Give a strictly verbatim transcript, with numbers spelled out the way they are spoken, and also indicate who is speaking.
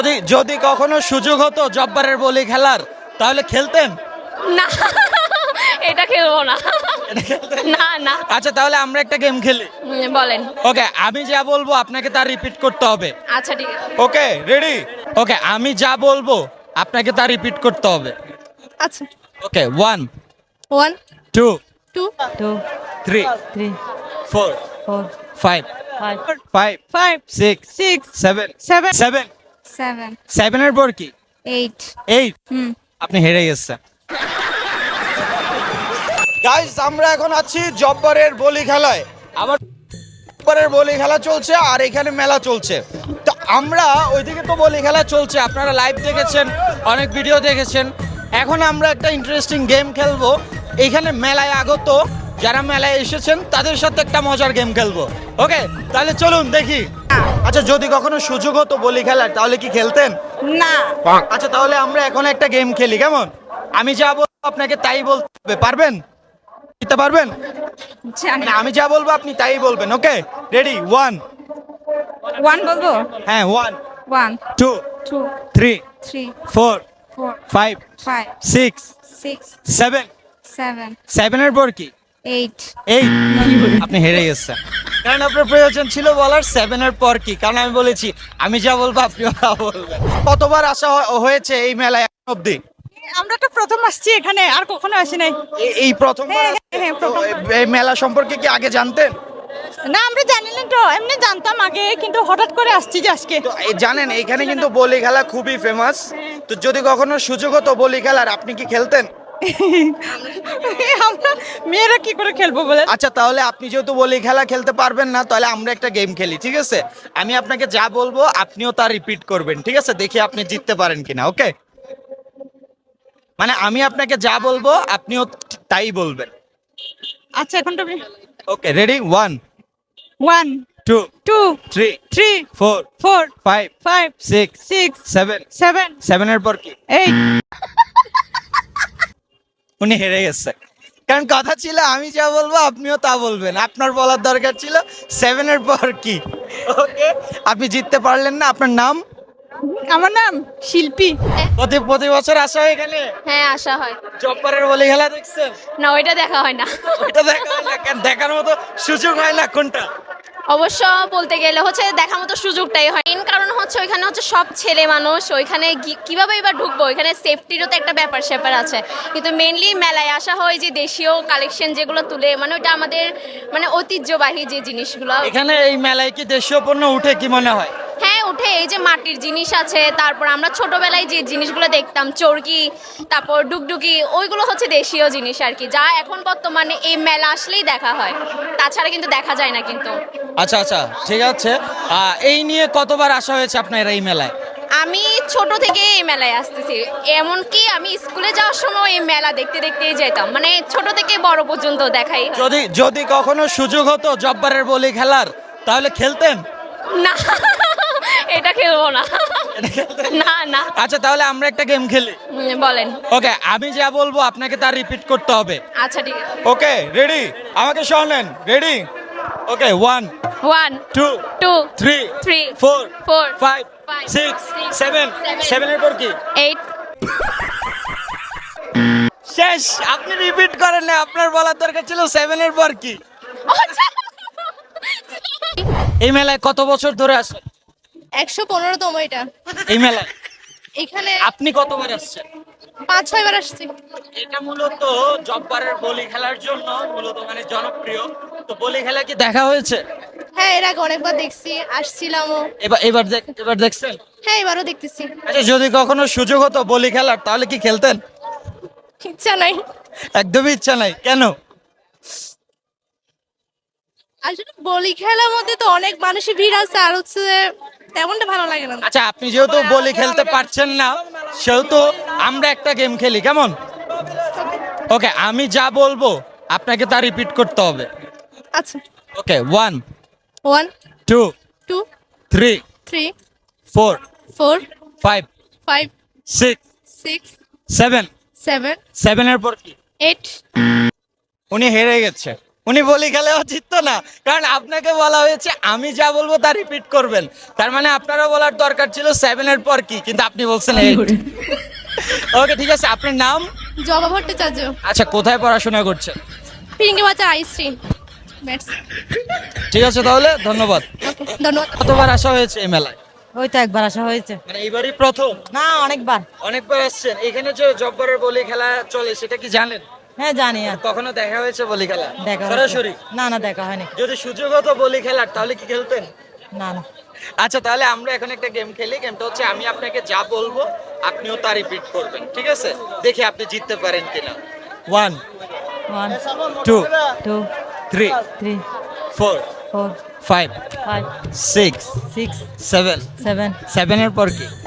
Speaker 1: যদি যদি কখনো সুযোগ হতো জব্বারের বলি খেলার তাহলে খেলতেন?
Speaker 2: না, এটা খেলবো না।
Speaker 1: এটা খেলতেন?
Speaker 2: না না।
Speaker 1: আচ্ছা তাহলে আমরা একটা গেম খেলি।
Speaker 2: উম, বলেন।
Speaker 1: ওকে, আমি যা বলবো আপনাকে তা রিপিট করতে হবে।
Speaker 2: আচ্ছা ঠিক আছে।
Speaker 1: Okay ready? ওকে, আমি যা বলবো আপনাকে তা রিপিট করতে হবে।
Speaker 3: আচ্ছা।
Speaker 1: Okay, one
Speaker 3: one
Speaker 1: two
Speaker 3: two
Speaker 4: two
Speaker 1: three
Speaker 4: three
Speaker 1: four
Speaker 4: four
Speaker 1: five
Speaker 4: five
Speaker 1: five
Speaker 3: five
Speaker 1: six
Speaker 3: six
Speaker 1: seven
Speaker 3: seven
Speaker 1: seven
Speaker 3: seven
Speaker 1: সেভেনের পর কি?
Speaker 3: Eight
Speaker 1: eight.
Speaker 3: হুম
Speaker 1: আপনি হেরে গেছেন। গাইস, আমরা এখন আছি জব্বারের বলি খেলায়। আবার জব্বারের বলি খেলা চলছে আর এখানে মেলা চলছে। তো আমরা ওইদিকে তো বলি খেলা চলছে, আপনারা লাইভ দেখেছেন, অনেক ভিডিও দেখেছেন। এখন আমরা একটা ইন্টারেস্টিং গেম খেলবো। এখানে মেলায় আগত যারা মেলায় এসেছেন তাদের সাথে একটা মজার গেম খেলবো। ওকে, তাহলে চলুন দেখি। আচ্ছা, যদি কখনো সুযোগ হতো বলি খেলার তাহলে কি খেলতেন?
Speaker 3: না
Speaker 1: আচ্ছা তাহলে আমরা এখন একটা গেম খেলি, কেমন? আমি যা বলবো আপনাকে তাই বলতে হবে, পারবেন? দিতে পারবেন?
Speaker 3: জানি
Speaker 1: মানে আমি যা বলবো আপনি তাই বলবেন। ওকে রেডি? ওয়ান।
Speaker 3: ওয়ান বলবো
Speaker 1: হ্যাঁ, one
Speaker 3: one
Speaker 1: two
Speaker 3: two
Speaker 1: three
Speaker 3: three
Speaker 1: four
Speaker 3: four
Speaker 1: five
Speaker 3: five
Speaker 1: six
Speaker 3: six
Speaker 1: seven
Speaker 3: seven
Speaker 1: সেভেনের পর কি?
Speaker 3: এইট
Speaker 1: এই আপনি হেরে গেছেন, কারণ আপনার প্রয়োজন ছিল বলার সেভেনের পর কি, কারণ আমি বলেছি আমি যা বলবো আপনি তা বলবেন। কতবার আসা হ- হয়েছে এই মেলায় এখন অব্দি?
Speaker 3: আমরা তো প্রথম আসছি এখানে, আর কখনো আসি নাই।
Speaker 1: এই- এই প্রথমবার
Speaker 3: হ্যাঁ,
Speaker 1: আসছেন?
Speaker 3: হ্যাঁ,
Speaker 1: তো
Speaker 3: প্রথমবার।
Speaker 1: এই- এই মেলা সম্পর্কে কি আগে জানতেন?
Speaker 3: না, আমরা জানি না তো, এমনি জানতাম আগে, কিন্তু হঠাৎ করে আসছি যে আজকে।
Speaker 1: তো এই জানেন এখানে কিন্তু বলি খেলা খুবই ফেমাস। তো যদি কখনো সুযোগ হতো বলি খেলার আপনি কি খেলতেন?
Speaker 3: আমরা মেয়েরা কি করে খেলবো বলে?
Speaker 1: আচ্ছা তাহলে আপনি যেহেতু বলি খেলা খেলতে পারবেন না, তাহলে আমরা একটা গেম খেলি, ঠিক আছে? আমি আপনাকে যা বলবো আপনিও তা রিপিট করবেন, ঠিক আছে? দেখি আপনি জিততে পারেন কিনা। ওকে, মানে আমি আপনাকে যা বলবো আপনিও তাই বলবেন।
Speaker 3: আচ্ছা, এখন তুমি
Speaker 1: okay ready? One
Speaker 3: one
Speaker 1: two
Speaker 3: two
Speaker 1: three
Speaker 3: three
Speaker 1: four
Speaker 3: four
Speaker 1: five
Speaker 3: five
Speaker 1: six
Speaker 3: six
Speaker 1: seven
Speaker 3: seven
Speaker 1: সেভেনের পর কি?
Speaker 3: এইট।
Speaker 1: উনি হেরে গেছে, কারণ কথা ছিল আমি যা বলবো আপনিও তা বলবেন। আপনার বলার দরকার ছিল সেভেনের পর কি। ওকে, আপনি জিততে পারলেন না। আপনার নাম?
Speaker 3: আমার নাম শিল্পী।
Speaker 1: প্রতি প্রতি বছর আসা হয় এখানে?
Speaker 2: হ্যাঁ, আসা হয়।
Speaker 1: জব্বারের বলি খেলা দেখছেন?
Speaker 2: না, ওইটা দেখা হয় না।
Speaker 1: ওইটা দেখা হয় না কেন? দেখার মতো সুযোগ হয় না কোনটা?
Speaker 2: অবশ্য বলতে গেলে হচ্ছে দেখার মতো সুযোগটাই হয়। মেন কারণ হচ্ছে ওইখানে হচ্ছে সব ছেলে মানুষ, ওইখানে গি- কিভাবে এবার ঢুকবো, ওইখানে সেফটিরও তো একটা ব্যাপার স্যাপার আছে। কিন্তু মেনলি মেলায় আসা হয় যে দেশীয় কালেকশন যেগুলো তুলে, মানে ওইটা আমাদের মানে ঐতিহ্যবাহী যে জিনিসগুলো।
Speaker 1: এখানে এই মেলায় কি দেশীয় পণ্য উঠে কি মনে হয়?
Speaker 2: হ্যাঁ উঠে, এই যে মাটির জিনিস আছে, তারপর আমরা ছোটবেলায় যে জিনিসগুলো দেখতাম চরকি, তারপর ডুগডুগি, ওইগুলো হচ্ছে দেশীয় জিনিস আর কি, যা এখন বর্তমানে এই মেলা আসলেই দেখা হয়, তাছাড়া কিন্তু দেখা যায় না কিন্তু।
Speaker 1: আচ্ছা আচ্ছা ঠিক আছে। আহ, এই নিয়ে কতবার আসা হয়েছে আপনার এই মেলায়?
Speaker 2: আমি ছোট থেকে এই মেলায় আসতেছি, এমনকি আমি স্কুলে যাওয়ার সময় এই মেলা দেখতে দেখতেই যেতাম, মানে ছোট থেকে বড় পর্যন্ত দেখাই হয়।
Speaker 1: যদি যদি কখনো সুযোগ হতো জব্বারের বলি খেলার তাহলে খেলতেন?
Speaker 2: না, এটা খেলবো না।
Speaker 1: এটা খেলতেন?
Speaker 2: না না।
Speaker 1: আচ্ছা তাহলে আমরা একটা গেম খেলি।
Speaker 2: উম, বলেন।
Speaker 1: ওকে, আমি যা বলবো আপনাকে তা রিপিট করতে হবে।
Speaker 2: আচ্ছা ঠিক আছে।
Speaker 1: Okay ready? আমাকে শোনেন, ready? Okay, one
Speaker 2: one
Speaker 1: two
Speaker 2: two
Speaker 1: three
Speaker 2: three
Speaker 1: four
Speaker 2: four
Speaker 1: five
Speaker 2: five
Speaker 1: six
Speaker 2: six
Speaker 1: seven
Speaker 2: seven
Speaker 1: সেভেনের পর কি?
Speaker 2: এইট।
Speaker 1: শেষ। আপনি রিপিট করেন না, আপনার বলার দরকার ছিল সেভেনের পর কি। এই মেলায় কত বছর ধরে আসেন?
Speaker 3: একশো পনেরোতম এটা।
Speaker 1: এই মেলায়
Speaker 3: এখানে
Speaker 1: আপনি কতবার আসছেন?
Speaker 3: পাঁচ ছয় বার আসছি।
Speaker 1: এটা মূলত জব্বারের বলি খেলার জন্য মূলত মানে জনপ্রিয়। তো বলি খেলা কি দেখা হয়েছে?
Speaker 3: হ্যাঁ, এর আগে অনেকবার দেখছি, আসছিলামও।
Speaker 1: এবার এবার দেখ এবার দেখছেন?
Speaker 3: হ্যাঁ, এবারও দেখতেছি।
Speaker 1: আচ্ছা যদি কখনো সুযোগ হতো বলি খেলার তাহলে কি খেলতেন?
Speaker 3: ইচ্ছা নাই।
Speaker 1: একদমই ইচ্ছা নাই, কেন?
Speaker 3: আসলে বলি খেলার মধ্যে তো অনেক মানুষের ভিড় আছে, আর হচ্ছে তেমনটা ভালো লাগে না।
Speaker 1: আচ্ছা আপনি যেহেতু বলি খেলতে পারছেন না, সেহেতু আমরা একটা গেম খেলি, কেমন? ওকে, আমি যা বলবো আপনাকে তা রিপিট করতে হবে।
Speaker 3: আচ্ছা।
Speaker 1: Okay, one
Speaker 3: one
Speaker 1: two
Speaker 3: two
Speaker 1: three
Speaker 3: three
Speaker 1: four
Speaker 3: four
Speaker 1: five
Speaker 3: five
Speaker 1: six
Speaker 3: six
Speaker 1: seven
Speaker 3: seven
Speaker 1: সেভেনের পর কি?
Speaker 3: এইট।
Speaker 1: উনি হেরে গেছে, উনি বলি খেলেও জিততো না, কারণ আপনাকে বলা হয়েছে আমি যা বলবো তা রিপিট করবেন। তার মানে আপনারও বলার দরকার ছিল সেভেনের পর কি, কিন্তু আপনি বলছেন এইট। ওকে ঠিক আছে, আপনার নাম?
Speaker 3: জবা ভট্টাচার্য।
Speaker 1: আচ্ছা, কোথায় পড়াশোনা করছেন?
Speaker 3: ফিরিঙ্গি বাজার আইসি। ব্যাটস।
Speaker 1: ঠিক আছে তাহলে, ধন্যবাদ।
Speaker 3: ওকে, ধন্যবাদ।
Speaker 1: কতবার আসা হয়েছে এই মেলায়?
Speaker 4: ওই তো একবার আসা হয়েছে।
Speaker 1: মানে এইবারই প্রথম?
Speaker 4: না, অনেকবার।
Speaker 1: অনেকবার আসছেন। এখানে যে জব্বরের বলি খেলা চলে সেটা কি জানেন?
Speaker 4: হ্যাঁ জানি। আর
Speaker 1: কখনো দেখা হয়েছে বলি খেলা
Speaker 4: দেখা হয়েছে।
Speaker 1: সরাসরি?
Speaker 4: না না, দেখা হয়নি।
Speaker 1: যদি সুযোগ হতো বলি খেলার তাহলে কি খেলতেন?
Speaker 4: না না।
Speaker 1: আচ্ছা, তাহলে আমরা এখন একটা গেম খেলি। গেমটা হচ্ছে আমি আপনাকে যা বলবো আপনিও তা রিপিট করবেন, ঠিক আছে? দেখি আপনি জিততে পারেন কিনা। One,
Speaker 4: one,
Speaker 1: two,
Speaker 4: two,
Speaker 1: three,
Speaker 4: three,
Speaker 1: four,
Speaker 4: four,
Speaker 1: five,
Speaker 4: five,
Speaker 1: six,
Speaker 4: six,
Speaker 1: seven.
Speaker 4: Seven,
Speaker 1: সেভেনের পর কি?